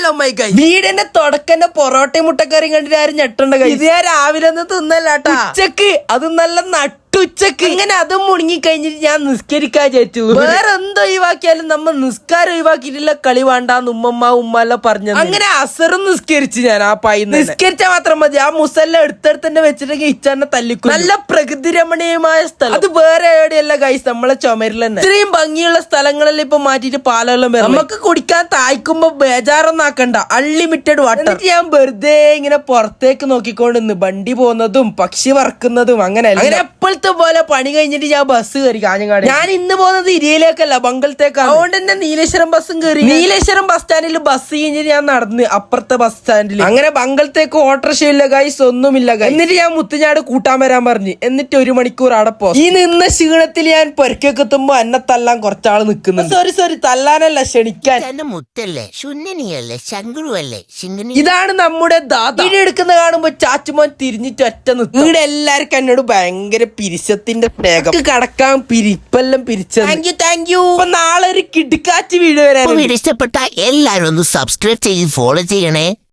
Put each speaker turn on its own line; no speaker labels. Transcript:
Hello my ഗൈ, വീടിന്റെ തുടക്കന്റെ പൊറോട്ടയും മുട്ടക്കറിയും കണ്ടിട്ട് ആരും ഞെട്ടണ്ട കൈ. ഇത് ഞാൻ രാവിലെ ഒന്നും തിന്നല്ലാട്ടാ, ഉച്ചക്ക് അത് നല്ല നട്ടുച്ചക്ക്. ഇങ്ങനെ അതും മുണുങ്ങി കഴിഞ്ഞിട്ട് ഞാൻ നിസ്കരിക്കാൻ ചേച്ചു. വേറെ എന്തോ ഒഴിവാക്കിയാലും നമ്മൾ നിസ്കാരം ഒഴിവാക്കിയിട്ടില്ല കളി വേണ്ടാന്ന് ഉമ്മല്ല പറഞ്ഞത്. അങ്ങനെ അസറും നിസ്കരിച്ച് ഞാൻ ആ പായിന്ന്. നിസ്കരിച്ചാൽ മാത്രം മതി, ആ മുസല്ല എടുത്തെടുത്ത് തന്നെ വെച്ചിട്ടെങ്കിൽ ഇച്ചാന്നെ തല്ലിക്കും. നല്ല പ്രകൃതി രമണീയമായ സ്ഥലം, അത് വേറെ എവിടെയല്ല ഗൈസ്, നമ്മളെ ചുമരിൽ തന്നെ. ഇത്രയും ഭംഗിയുള്ള സ്ഥലങ്ങളെല്ലാം ഇപ്പൊ മാറ്റിയിട്ട് പാലെല്ലാം വരും. നമുക്ക് കുടിക്കാൻ തായ്ക്കുമ്പോ ബേജാറൊന്നും ആക്കണ്ട, അൺലിമിറ്റഡ് വാട്ടർ. എന്നിട്ട് ഞാൻ വെറുതെ ഇങ്ങനെ പുറത്തേക്ക് നോക്കിക്കൊണ്ടിരുന്നു, വണ്ടി പോകുന്നതും പക്ഷി പറക്കുന്നതും. അങ്ങനെ എപ്പോഴത്തെ പോലെ പണി കഴിഞ്ഞിട്ട് ഞാൻ ബസ് കയറി കാഞ്ഞങ്ങാട്. ഞാൻ ഇന്ന് പോകുന്നത് ഇരിയിലേക്കല്ല, ബംഗളത്തേക്കാണ്. അതുകൊണ്ട് തന്നെ നീലേശ്വരം ബസ്സും കയറി. നീലേശ്വരം ബസ് സ്റ്റാൻഡിൽ ബസ് കഴിഞ്ഞിട്ട് ഞാൻ നടന്ന് അപ്പുറത്തെ ബസ് സ്റ്റാൻഡിൽ. അങ്ങനെ ബംഗളത്തേക്ക് ഓട്ടോറിക്ഷ ഇല്ല ഗൈസ്, ഒന്നുമില്ല ഗൈസ്. എന്നിട്ട് ഞാൻ മുത്തുഞ്ഞാട് കൂട്ടാൻ വരാൻ പറഞ്ഞു. എന്നിട്ട് 1 മണിക്കൂർ അവിടെ പോ. ഈ നിന്ന ക്ഷീണത്തിൽ ഞാൻ പൊരക്കൊക്കെ എത്തുമ്പോ എന്നെ തല്ലാൻ കുറച്ചാള് നിൽക്കുന്നുണ്ട്. സോറി തല്ലാനല്ല, ക്ഷണിക്കാൻ. ഇതാണ് നമ്മുടെ ദാദ. വീട് എടുക്കുന്ന കാണുമ്പോ ചാച്ചുമോൻ തിരിഞ്ഞിട്ട് ഒറ്റ നിൽക്കും. ഇവിടെ എല്ലാവർക്കും എന്നോട് ഭയങ്കര പിരിശത്തിന്റെ സ്നേഹം. കടക്കാൻ പിരിപ്പെല്ലാം പിരിച്ചത്. Thank you. അപ്പൊ നാളെ ഒരു കിടുക്കാച്ചി വീട് വരാൻ.
ഇഷ്ടപ്പെട്ട എല്ലാരും ഒന്ന് സബ്സ്ക്രൈബ് ചെയ്ത് ഫോളോ ചെയ്യണേ.